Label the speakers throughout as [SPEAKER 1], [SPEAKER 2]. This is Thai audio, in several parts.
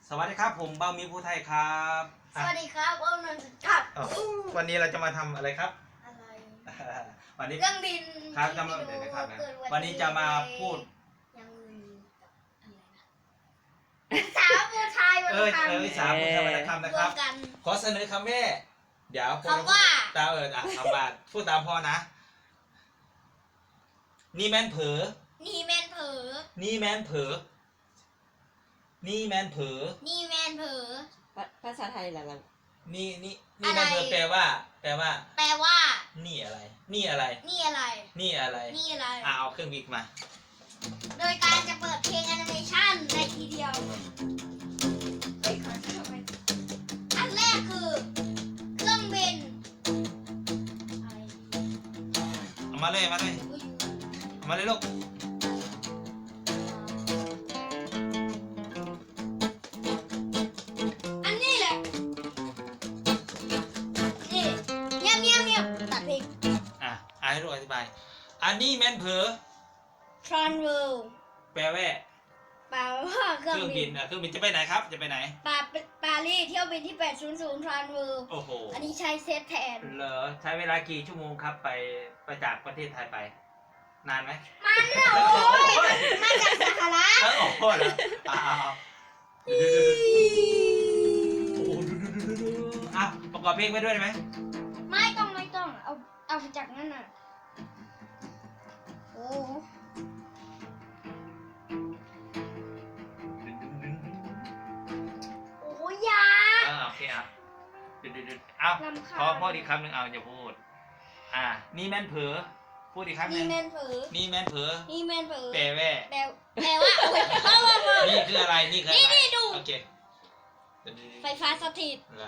[SPEAKER 1] สวัสดีครับผมเบามีผู้ไทยครับ
[SPEAKER 2] สวัสดีครับอ้อมนนท์ครับ
[SPEAKER 1] วันนี้เราจะมาทำอะไรครับ
[SPEAKER 2] อะไร
[SPEAKER 1] วันนี้
[SPEAKER 2] เครื่องบิน
[SPEAKER 1] ครับจะมาเดี๋ยวนะครับวันนี้จะมาพูด
[SPEAKER 2] ยังอื่นกับอะไรนะสาวผู้ชายวรรณคำ
[SPEAKER 1] วิสาผู้ไทยวรรณคำนะครับ
[SPEAKER 2] กัน
[SPEAKER 1] ขอเสนอคำแม่เดี๋ยวผม
[SPEAKER 2] คำว่า
[SPEAKER 1] ตามคำว่าพูดตามพ่อนะนี่แมนเผลอ
[SPEAKER 2] นี่แมนเผลอ
[SPEAKER 1] นี่แมนเผลอนี่แมนเผลอ
[SPEAKER 2] นี่แมนเผลอ
[SPEAKER 3] ภาษาไทยล่ะเรา
[SPEAKER 1] นี่แมนเผลอแปลว่า
[SPEAKER 2] แปลว่า
[SPEAKER 1] นี่อะไร นี่อะไร
[SPEAKER 2] นี่อะไร
[SPEAKER 1] นี่อะไร
[SPEAKER 2] นี่อะไร
[SPEAKER 1] เอาเครื่องบินมา
[SPEAKER 2] โดยการจะเปิดเพลงแอนิเมชันในทีเดียวเฮ้ยขอช่วยหน่อยอันแรกคือเครื่องบินอะไร
[SPEAKER 1] เอามาเลย
[SPEAKER 2] อุ๊ย
[SPEAKER 1] เอามาเลยลูก
[SPEAKER 2] อันนี้แหละ นี่เงียบตัดเพลง
[SPEAKER 1] ให้ลูกอธิบาย อันนี้แมนเผลอ
[SPEAKER 2] ทรอนเวิลด์
[SPEAKER 1] แปลว่า
[SPEAKER 2] แปลว่าเค
[SPEAKER 1] เค
[SPEAKER 2] รื่
[SPEAKER 1] รื่
[SPEAKER 2] อ
[SPEAKER 1] อง ง
[SPEAKER 2] บิ
[SPEAKER 1] บิ
[SPEAKER 2] น
[SPEAKER 1] นเครื่องบินจะไปไหนครับ จะไปไหน
[SPEAKER 2] ปารีสเที่ยวบินที่ 800 ทรอนเวิลด์
[SPEAKER 1] โอ้โห
[SPEAKER 2] อันนี้ใช้เซตแทน
[SPEAKER 1] เหรอใช้เวลากี่ชั่วโมงครับไปจากประเทศไทยไป นานไหม
[SPEAKER 2] มันน่ะโอ้ยมาจากสหรัฐ
[SPEAKER 1] โอ้โหเหรอโอ้โหประกอบเพลงไปด้วยได้ไหม
[SPEAKER 2] ไม่ต้องเอาจากนั่นน่ะโอ้โอ้ยยา
[SPEAKER 1] โอเคเอา
[SPEAKER 2] รำคาญ
[SPEAKER 1] พออีกคำหนึ่งเอาอย่าพูดนี่แม่นเผลอพูดอีกครั้งห
[SPEAKER 2] นี่
[SPEAKER 1] นึ่ง
[SPEAKER 2] แมนเผลอ
[SPEAKER 1] นี่แม่นเผลอ
[SPEAKER 2] นี่แมนเผลอ
[SPEAKER 1] แปลว่า
[SPEAKER 2] แปลว่าโอ้ยพ่อ
[SPEAKER 1] นี่คืออะไรนี่คืออะไร
[SPEAKER 2] นี่ดู
[SPEAKER 1] โอเค
[SPEAKER 2] ไฟฟ้าสถิต
[SPEAKER 1] เหรอ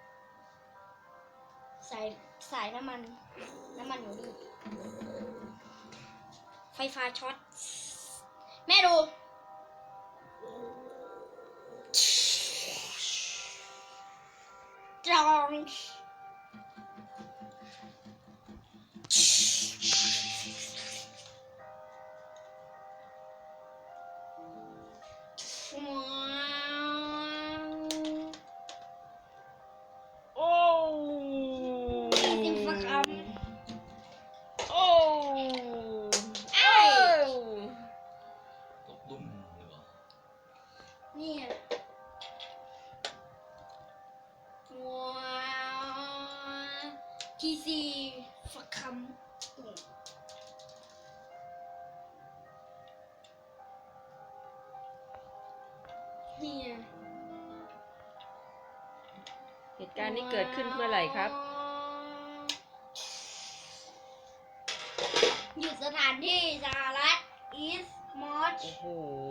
[SPEAKER 2] สายน้ำมันอยู่นี่ไฟฟ้าช็อตแม่ดูจอง
[SPEAKER 3] โอ้
[SPEAKER 2] สิบคำ
[SPEAKER 3] โอ้
[SPEAKER 2] ไอ้
[SPEAKER 1] ตกดุ้มหรือเปล่า
[SPEAKER 2] นี่ว้าวทีซีฝักคำนี่
[SPEAKER 3] เหตุการณ์นี้เกิดขึ้นเมื่อไหร่ครับ
[SPEAKER 2] อยู่สถานที่สหรัฐอีสต์มอช
[SPEAKER 3] โอ้โห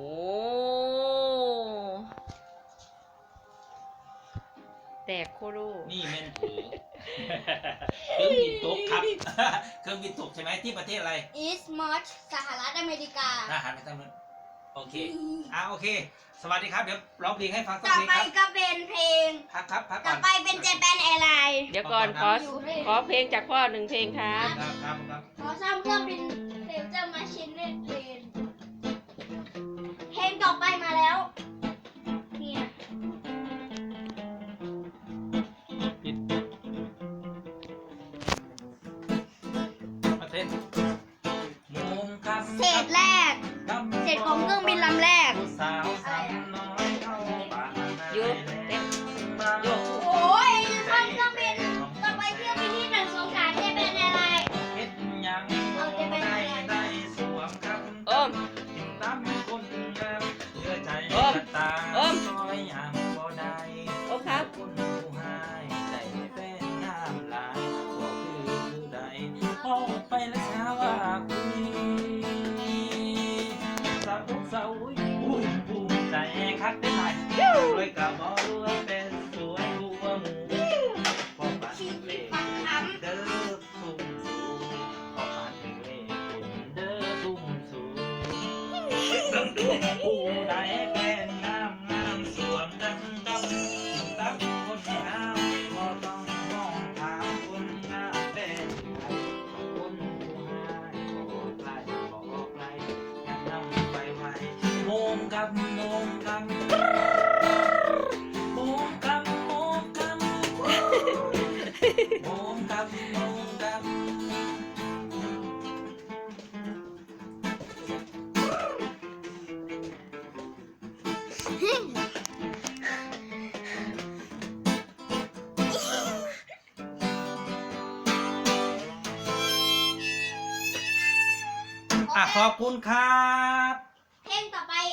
[SPEAKER 3] แตกโคโร
[SPEAKER 1] นี่แม่นเผลอเครื่องบินตกครับ เครื่องบินตกใช่ไหมที่ประเทศอะไร
[SPEAKER 2] อีสต์มอชสหรัฐอเมริกา
[SPEAKER 1] หันไปทางนู้นโอเคโอเค สวัสดีครับ เดี๋ยวร้องเพลงให้ฟังสัก
[SPEAKER 2] ต่อ
[SPEAKER 1] เพลง
[SPEAKER 2] ไป
[SPEAKER 1] ครับ
[SPEAKER 2] ก็เป็นเพลง
[SPEAKER 1] พักก่
[SPEAKER 2] ต่
[SPEAKER 1] อ
[SPEAKER 2] อน ไปเป็นเจแปนแอร์ไลน์
[SPEAKER 3] เดี๋ยวก่อนขอเพลงจากพ่อหนึ่งเพลงครับ
[SPEAKER 1] ครับ
[SPEAKER 2] ขอสร้างเครื่องบินเฟลเจอร์มาชินเนตเพลงเพลงต่อไปมาแล้วเนี่ย
[SPEAKER 1] ประเทศมุมครับ
[SPEAKER 2] เศษแรก เศษของเครื่องบินลำแรก
[SPEAKER 1] สาวสาวน้อยเข้าป่า
[SPEAKER 3] หยุดเต้นหยุด
[SPEAKER 2] โอ้ยจะทำเครื่องบินต่อไปเครื่องบินที่1 2 3เจแปนแอร์ไลน์
[SPEAKER 1] เฮ็ดยัง
[SPEAKER 2] เอาจะเป็นอะไร
[SPEAKER 1] ได้สวมครับ
[SPEAKER 3] โอม
[SPEAKER 1] ตามคนงามเชื่อใจ
[SPEAKER 3] โอม
[SPEAKER 1] ตา
[SPEAKER 3] โอม
[SPEAKER 1] ซอยอย่างบ่ได้
[SPEAKER 3] โอมครับ
[SPEAKER 1] คนผู้หายใจแฟนงามหลายบ่คือผู้ใดพอไปแล้วเช้าว่าคุยสาวสาวอุ้ยภูมิใจคักได้หลายรวยกับบ่รวยเป็นสวยกว่าหมู่พอปานเลขเด้อทุ่มสูงพอปานเลขเด้อทุ่มสูงต้องดูผู้ใดเป็นงามสวมดังกับตั้งคนงามบ่ต้องมองถามคนงามเป็นใครคนผู้หายบ่ไกลยังนำไปไว้โมงกับขอบคุณครับ
[SPEAKER 2] เพลงต่อ